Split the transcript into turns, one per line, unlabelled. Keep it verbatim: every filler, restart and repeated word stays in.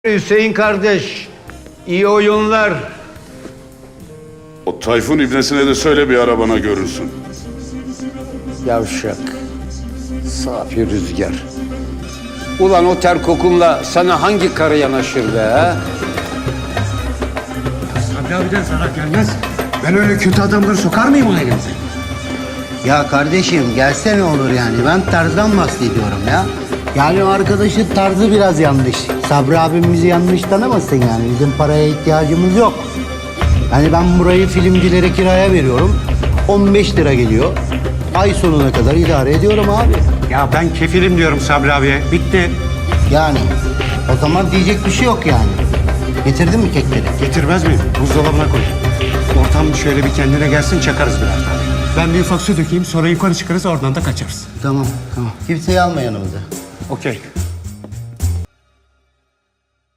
Hüseyin kardeş, iyi oyunlar.
O Tayfun ibnesine de söyle bir arabana görünsün.
Yavşak, safi rüzgar. Ulan o ter kokunla sana hangi karı yanaşır be ha?
Sabri abiden zarar gelmez. Ben öyle kötü adamları sokar mıyım ailemize?
Ya kardeşim gelse ne olur yani? Ben tarzdan bahsediyorum ya. Yani o arkadaşın tarzı biraz yanlış. Sabri abimizi yanlış tanımasın yani. Bizim paraya ihtiyacımız yok. Yani ben burayı filmcilere kiraya veriyorum. on beş lira geliyor. Ay sonuna kadar idare ediyorum abi.
Ya ben kefilim diyorum Sabri abiye. Bitti.
Yani o zaman diyecek bir şey yok yani. Getirdin mi kekleri?
Getirmez miyim? Buzdolabına koy. Ortam şöyle bir kendine gelsin, çakarız birer tane. Ben bir ufak su dökeyim, sonra yukarı çıkarız, oradan da kaçarız.
Tamam tamam. Kimseyi alma yanımıza.
Okey.